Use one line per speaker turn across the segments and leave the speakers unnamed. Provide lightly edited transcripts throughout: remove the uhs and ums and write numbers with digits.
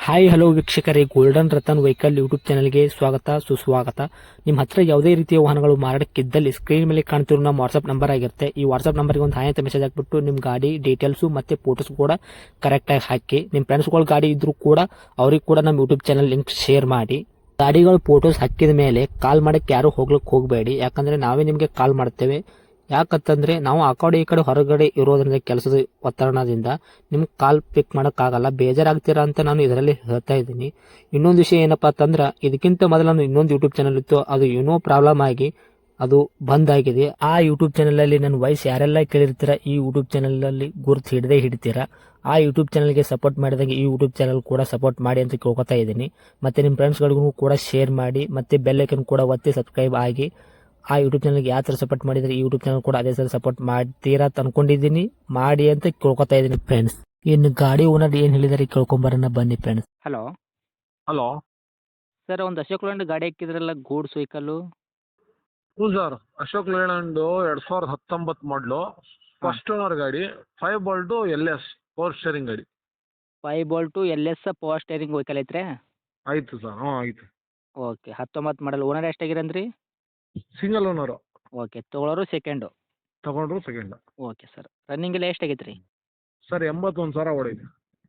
Hi hello ವೀಕ್ಷಕರೇ, golden Ratan vehicle YouTube ಚಾನಲ್ಗೆ ಸ್ವಾಗತ ಸುಸ್ವಾಗತ. ನಿಮ್ಮ ಹತ್ರ ಯಾವುದೇ ರೀತಿಯ ವಾಹನಗಳು ಮಾರಾಟಕ್ಕಿದ್ದಲ್ಲಿ ಸ್ಕ್ರೀನ್ ಮೇಲೆ ಕಾಣ್ತಿರೋ ನಮ್ಮ ವಾಟ್ಸ್ಆಪ್ ನಂಬರ್ ಆಗಿರುತ್ತೆ. ಈ ವಾಟ್ಸ್ಆಪ್ ನಂಬರ್ಗೆ ಒಂದು ಹಾಯ್ ಅಂತ ಮೆಸೇಜ್ ಹಾಕ್ಬಿಟ್ಟು ನಿಮ್ಮ ಗಾಡಿ ಡೀಟೇಲ್ಸು ಮತ್ತೆ ಫೋಟೋಸ್ ಕೂಡ ಕರೆಕ್ಟಾಗಿ ಹಾಕಿ. ನಿಮ್ಮ ಫ್ರೆಂಡ್ಸ್ಗಳ ಗಾಡಿ ಇದ್ರೂ ಕೂಡ ಅವ್ರಿಗೆ ಕೂಡ ನಮ್ಮ ಯೂಟ್ಯೂಬ್ ಚಾನಲ್ ಲಿಂಕ್ ಶೇರ್ ಮಾಡಿ. ಗಾಡಿಗಳು ಫೋಟೋಸ್ ಹಾಕಿದ ಮೇಲೆ ಕಾಲ್ ಮಾಡಕ್ಕೆ ಯಾರು ಹೋಗ್ಲಿಕ್ಕೆ ಹೋಗಬೇಡಿ, ಯಾಕಂದ್ರೆ ನಾವೇ ನಿಮಗೆ ಕಾಲ್ ಮಾಡ್ತೇವೆ. ಯಾಕಂತಂದ್ರೆ ನಾವು ಆ ಕಡೆ ಈ ಕಡೆ ಹೊರಗಡೆ ಇರೋದ್ರಿಂದ ಕೆಲಸದ ಒತ್ತಡದಿಂದ ನಿಮ್ಗೆ ಕಾಲ್ ಪಿಕ್ ಮಾಡೋಕ್ಕಾಗಲ್ಲ, ಬೇಜಾರಾಗ್ತೀರಾ ಅಂತ ನಾನು ಇದರಲ್ಲಿ ಹೇಳ್ತಾ ಇದ್ದೀನಿ. ಇನ್ನೊಂದು ವಿಷಯ ಏನಪ್ಪಾ ಅಂತಂದ್ರೆ, ಇದಕ್ಕಿಂತ ಮೊದಲು ನಾನು ಇನ್ನೊಂದು ಯೂಟ್ಯೂಬ್ ಚಾನಲ್ ಇತ್ತು, ಅದು ಏನೋ ಪ್ರಾಬ್ಲಮ್ ಆಗಿ ಅದು ಬಂದ್ ಆಗಿದೆ. ಆ ಯೂಟ್ಯೂಬ್ ಚಾನಲ್ ಅಲ್ಲಿ ನನ್ನ ವಾಯ್ಸ್ ಯಾರೆಲ್ಲ ಕೇಳಿರ್ತೀರಾ, ಈ ಯೂಟ್ಯೂಬ್ ಚಾನಲ್ ಅಲ್ಲಿ ಗುರುತು ಹಿಡದೇ ಹಿಡಿತೀರಾ. ಆ ಯೂಟ್ಯೂಬ್ ಚಾನಲ್ಗೆ ಸಪೋರ್ಟ್ ಮಾಡಿದಾಗ ಈ ಯೂಟ್ಯೂಬ್ ಚಾನಲ್ ಕೂಡ ಸಪೋರ್ಟ್ ಮಾಡಿ ಅಂತ ಕೇಳ್ಕೊತಾ ಇದ್ದೀನಿ. ಮತ್ತೆ ನಿಮ್ಮ ಫ್ರೆಂಡ್ಸ್ಗಳಿಗೂ ಕೂಡ ಶೇರ್ ಮಾಡಿ, ಮತ್ತೆ ಬೆಲ್ ಐಕನ್ ಕೂಡ ಒತ್ತಿ ಸಬ್ಸ್ಕ್ರೈಬ್ ಆಗಿ. ಆ ಯೂಟ್ಯೂಬ್ ಚಾನಲ್ಗೆ ಯಾವ ಥರ ಸಪೋರ್ಟ್ ಮಾಡಿದರೆ ಈ ಯೂಟ್ಯೂಬ್ ಚಾನಲ್ ಕೂಡ ಅದೇ ಥರ ಸಪೋರ್ಟ್ ಮಾಡ್ತೀರಾ ಅಂತ ಅನ್ಕೊಂಡಿದ್ದೀನಿ. ಮಾಡಿ ಅಂತ ಕೇಳ್ಕೊತಾ ಇದ್ದೀನಿ ಫ್ರೆಂಡ್ಸ್. ಇನ್ನು ಗಾಡಿ ಓನರ್ ಏನು ಹೇಳಿದಾರೆ ಕೇಳ್ಕೊಂಬರೋಣ ಬನ್ನಿ ಫ್ರೆಂಡ್ಸ್. Hello
hello.
ಸರ್, ಒಂದು ಅಶೋಕ್ ಲ್ಯಾಂಡ್ ಗಾಡಿ ಹಾಕಿದ್ರಲ್ಲ, ಗೂಡ್ಸ್ ವೆಹಿಕಲ್ಲು.
ಹ್ಞೂ sir, Ashok Leyland 2019 model, first owner ಗಾಡಿ. 5 ಬಾಲ್ಟು LS ಪವರ್ ಸ್ಟೇರಿಂಗ್ ಗಾಡಿ.
5 bolt LS power steering vehicle ಐತ್ರಿ.
ಆಯಿತು ಸರ್, ಹ್ಞೂ ಆಯಿತು.
Okay, 19 model. ಓನರ್ ಎಷ್ಟಾಗಿರಂದ್ರಿ?
Single owner.
ಓಕೆ, ತೊಗೊಳೋರು ಸೆಕೆಂಡು.
ತಗೊಂಡ್ರು ಸೆಕೆಂಡ್.
ಓಕೆ ಸರ್, ರನ್ನಿಂಗ್ ಎಲ್ಲ ಎಷ್ಟಾಗೈತೆ ರೀ?
ಸರ್ 81,000 ಓಡಿದೆ.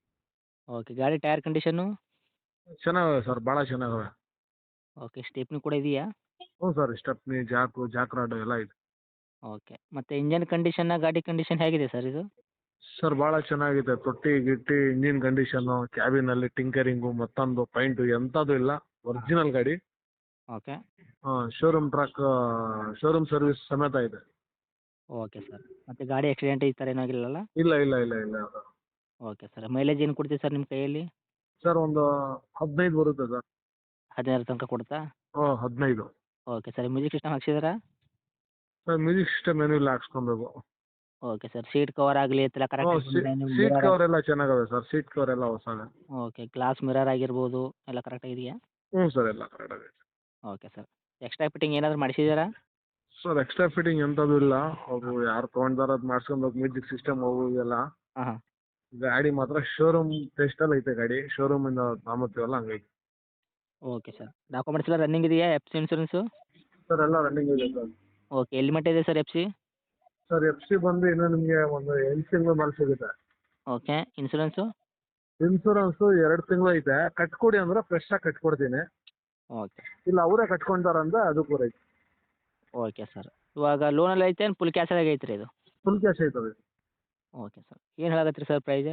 ಓಕೆ, ಗಾಡಿ ಟೈರ್ ಕಂಡೀಷನು?
ಚೆನ್ನಾಗವೆ ಸರ್, ಭಾಳ ಚೆನ್ನಾಗವೆ.
ಓಕೆ, ಸ್ಟೆಪ್ನಿ ಕೂಡ ಇದೆಯಾ?
ಹ್ಞೂ ಸರ್, ಸ್ಟೆಪ್ನಿ, ಜಾಕ್ ರಾಡು ಎಲ್ಲ ಇದೆ.
ಓಕೆ, ಮತ್ತು ಇಂಜನ್ ಕಂಡೀಷನ್ನ, ಗಾಡಿ ಕಂಡೀಷನ್ ಹೇಗಿದೆ ಸರ್ ಇದು?
ಸರ್ ಭಾಳ ಚೆನ್ನಾಗಿದೆ. ತೊಟ್ಟಿ ಗಿಟ್ಟಿ, ಇಂಜಿನ್ ಕಂಡೀಷನ್ನು, ಕ್ಯಾಬಿನಲ್ಲಿ ಟಿಂಕರಿಂಗು, ಮತ್ತೊಂದು ಪೈಂಟು ಎಂಥದ್ದು ಇಲ್ಲ. ಒರಿಜಿನಲ್ ಗಾಡಿ.
ಓಕೆ.
ಹಾಂ, ಶೋರೂಮ್ ಟ್ರ್ಯಾಕ್, ಶೋರೂಮ್ ಸರ್ವಿಸ್ ಸಮೇತ ಇದೆ.
ಓಕೆ ಸರ್, ಮತ್ತು ಗಾಡಿ ಆಕ್ಸಿಡೆಂಟ್ ಈ ಥರ ಏನೂ ಆಗಿಲ್ಲಲ್ಲ?
ಇಲ್ಲ ಇಲ್ಲ ಇಲ್ಲ ಇಲ್ಲ.
ಓಕೆ ಸರ್, ಮೈಲೇಜ್ ಏನು ಕೊಡ್ತೀವಿ ಸರ್ ನಿಮ್ಮ ಕೈಯಲ್ಲಿ?
ಸರ್ ಒಂದು 15 ಬರುತ್ತೆ ಸರ್.
15 ತನಕ ಕೊಡ್ತಾ?
ಹ್ಞೂ, 15.
ಓಕೆ ಸರ್, ಮ್ಯೂಸಿಕ್ ಸಿಸ್ಟಮ್ ಹಾಕ್ಸಿದ್ದೀರಾ?
ಸರ್ ಮ್ಯೂಸಿಕ್ ಸಿಸ್ಟಮ್ ಏನೂ ಇಲ್ಲ, ಹಾಕ್ಸ್ಕೊಬೇಕು.
ಓಕೆ ಸರ್, ಸೀಟ್ ಕವರ್ ಆಗಲಿ ಎಲ್ಲ
ಹ್ಞೂ,
ಕರೆಕ್ಟಾಗಿ
ಸೀಟ್ ಕವರ್ ಎಲ್ಲ ಚೆನ್ನಾಗವೆ ಸರ್, ಸೀಟ್ ಕವರ್ ಎಲ್ಲ ಹೊಸವೆ.
ಓಕೆ, ಗ್ಲಾಸ್ ಮಿರರ್ ಆಗಿರ್ಬೋದು ಎಲ್ಲ ಕರೆಕ್ಟಾಗಿದೆಯಾ?
ಹ್ಞೂ ಸರ್, ಎಲ್ಲ ಕರೆಕ್ಟ್ ಆಗಿದೆ.
ಓಕೆ ಸರ್, ಎಕ್ಸ್ಟ್ರಾ ಫಿಟ್ಟಿಂಗ್ ಏನಾದರೂ ಮಾಡಿಸಿದ್ದೀರಾ?
ಸರ್ ಎಕ್ಸ್ಟ್ರಾ ಫಿಟ್ಟಿಂಗ್ ಎಂಥದ್ದು ಇಲ್ಲ. ಅವರು ಯಾರು ತೊಗೊಂಡಾರ ಅದು ಮಾಡ್ಸ್ಕೊಬೇಕು, ಮ್ಯೂಸಿಕ್ ಸಿಸ್ಟಮ್ ಅವು ಇವೆಲ್ಲ.
ಹಾಂ ಹಾಂ.
ಗಾಡಿ ಮಾತ್ರ ಶೋರೂಮ್ ಟೆಸ್ಟಲ್ಲಿ ಐತೆ ಗಾಡಿ, ಶೋರೂಮಿಂದ ತಾಂಬತ್ತೀವಲ್ಲ ಹಂಗೈತೆ.
ಓಕೆ ಸರ್, ಡಾಕ್ಯುಮೆಂಟ್ಸ್ ಎಲ್ಲ ರನ್ನಿಂಗ್ ಇದೆಯಾ? F C insurance?
ಸರ್ ಎಲ್ಲ ರನ್ನಿಂಗ್ ಇದೆ ಸರ್.
ಓಕೆ, ಎಲ್ಲಿ ಮಟ್ಟ ಇದೆ sir F C?
Sir F C ಬಂದು ಇನ್ನೂ ನಿಮಗೆ ಒಂದು 8 ತಿಂಗಳು ಮೇಲೆ ಸಿಗುತ್ತೆ.
Okay, insurance?
ಇನ್ಸೂರೆನ್ಸು 2 ತಿಂಗಳು ಐತೆ. ಕಟ್ಕೊಡಿ ಅಂದ್ರೆ ಫ್ರೆಶ್ ಆಗಿ ಕಟ್ಕೊಡ್ತೀನಿ.
ಓಕೆ.
ಇಲ್ಲ ಅವರೇ ಕಟ್ಕೊಂತಾರಂದ್ರೆ ಅದು ಕೂಡ ಐತೆ.
ಓಕೆ ಸರ್, ಇವಾಗ ಲೋನಲ್ಲಿ ಐತೆ ಏನು ಫುಲ್ ಕ್ಯಾಶಾಗಿ ಐತ್ರಿ ಇದು?
ಫುಲ್ ಕ್ಯಾಶ್ ಐತದೆ.
ಓಕೆ ಸರ್, ಏನು ಹೇಳಕತ್ತೀರಿ ಸರ್ ಪ್ರೈಸ್?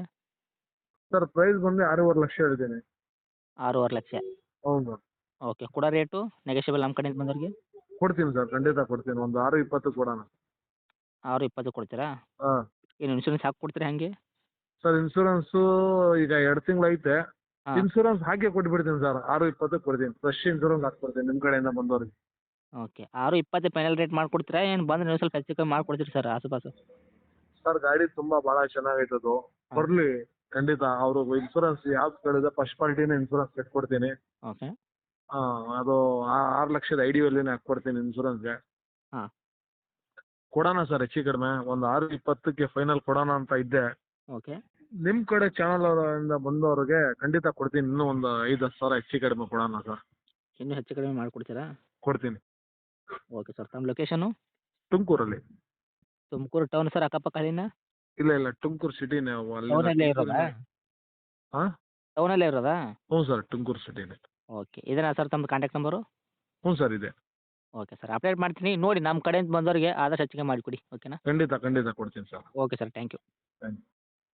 ಸರ್ ಪ್ರೈಸ್ ಬಂದು 6.5 ಲಕ್ಷ ಹೇಳ್ತೀನಿ.
6.5 ಲಕ್ಷ?
ಹೌದು.
ಓಕೆ, ಕೊಡೋ ರೇಟು ನೆಗೋಷಿಯಬಲ್ ನಮ್ಮ ಕಡೆಯಿಂದ ಬಂದವ್ರಿಗೆ?
ಕೊಡ್ತೀನಿ ಸರ್, ಖಂಡಿತ ಕೊಡ್ತೀನಿ. ಒಂದು 6.20 ಕೊಡೋಣ.
6.20 ಕೊಡ್ತೀರಾ?
ಹಾಂ.
ಏನು ಇನ್ಶೂರೆನ್ಸ್ ಹಾಕಿ ಕೊಡ್ತೀರಾ ಹಾಗೆ?
ಸರ್ ಇನ್ಸೂರೆನ್ಸು ಈಗ 2 ತಿಂಗಳು ಐತೆ.
ಹಾಂ.
ಇನ್ಸೂರೆನ್ಸ್ ಹಾಕಿ ಕೊಟ್ಬಿಡ್ತೀನಿ ಸರ್, 6.20 ಕೊಡ್ತೀನಿ. ಫ್ರೆಶ್ ಇನ್ಸೂರೆನ್ಸ್ ಹಾಕ್ಕೊಡ್ತೀನಿ ನಿಮ್ಮ ಕಡೆಯಿಂದ ಬಂದವ್ರಿಗೆ.
ಓಕೆ, 6.20 ಫೈನಲ್ ರೇಟ್ ಮಾಡ್ಕೊಡ್ತೀರಾ ಏನು ಬಂದ್ರೆ ನೀವು ಸ್ವಲ್ಪ ಹೆಚ್ಚು ಕಮ್ಮಿ ಮಾಡ್ಕೊಡ್ತೀರಿ ಸರ್ ಆಸುಪಾಸು?
ಸರ್ ಗಾಡಿ ತುಂಬ ಭಾಳ ಚೆನ್ನಾಗೈತದು.
ಹಾಂ.
ಬರಲಿ ಖಂಡಿತ. ಅವರು ಇನ್ಸೂರೆನ್ಸ್ ಯಾವ್ದು ಕೇಳಿದ್ರೆ ಫಸ್ಟ್ ಪಾರ್ಟಿನೇ ಇನ್ಸೂರೆನ್ಸ್ ಕಟ್ಕೊಡ್ತೀನಿ.
ಓಕೆ.
ಹಾಂ, ಅದು 6 ಲಕ್ಷದ ಐ ಡಿ ವ್ಯಾಲ್ಯೂನೇ ಹಾಕ್ಕೊಡ್ತೀನಿ ಇನ್ಸೂರೆನ್ಸ್ಗೆ.
ಹಾಂ.
ಕೊಡೋಣ ಸರ್, ಹೆಚ್ಚು ಕಡಿಮೆ ಒಂದು 6.20ಕ್ಕೆ ಫೈನಲ್ ಕೊಡೋಣ ಅಂತ ಇದ್ದೆ.
ಓಕೆ.
ನಿಮ್ಮ ಕಡೆ ಚಾನಲ್ ಅವರಿಂದ ಬಂದವ್ರಿಗೆ ಖಂಡಿತ ಕೊಡ್ತೀನಿ. ಇನ್ನೂ ಒಂದು 5-10 ಸಾವಿರ ಹೆಚ್ಚು ಕಡಿಮೆ ಕೊಡೋಣ ಸರ್.
ಇನ್ನೂ ಹೆಚ್ಚು ಕಡಿಮೆ ಮಾಡಿಕೊಡ್ತೀರಾ?
ಕೊಡ್ತೀನಿ.
ಓಕೆ ಸರ್, ತಮ್ಮ ಲೊಕೇಶನು?
ತುಮಕೂರಲ್ಲಿ.
ತುಮಕೂರು ಟೌನ್ ಸರ್, ಅಕ್ಕಪಕ್ಕ ಅಲ್ಲಿನ?
ಇಲ್ಲ ಇಲ್ಲ, ತುಮಕೂರು ಸಿಟಿನೇ.
ಟೌನಲ್ಲೇ ಇರೋದಾ?
ಹಾಂ.
ಟೌನಲ್ಲೇ ಇರೋದಾ?
ಹ್ಞೂ ಸರ್, ತುಮಕೂರು ಸಿಟಿನೇ.
ಓಕೆ, ಇದೇನಾ ಸರ್ ತಮ್ಮದು ಕಾಂಟ್ಯಾಕ್ಟ್ ನಂಬರು?
ಹ್ಞೂ ಸರ್, ಇದೆ.
ಓಕೆ ಸರ್, ಅಪ್ಡೇಟ್ ಮಾಡ್ತೀನಿ ನೋಡಿ. ನಮ್ಮ ಕಡೆಯಿಂದ ಬಂದವರಿಗೆ ಆದಷ್ಟು ಹೆಚ್ಚಿಗೆ ಮಾಡಿಕೊಡಿ. ಓಕೆನಾ?
ಖಂಡಿತ ಖಂಡಿತ ಕೊಡ್ತೀನಿ sir.
Okay sir, thank you.
Thank you.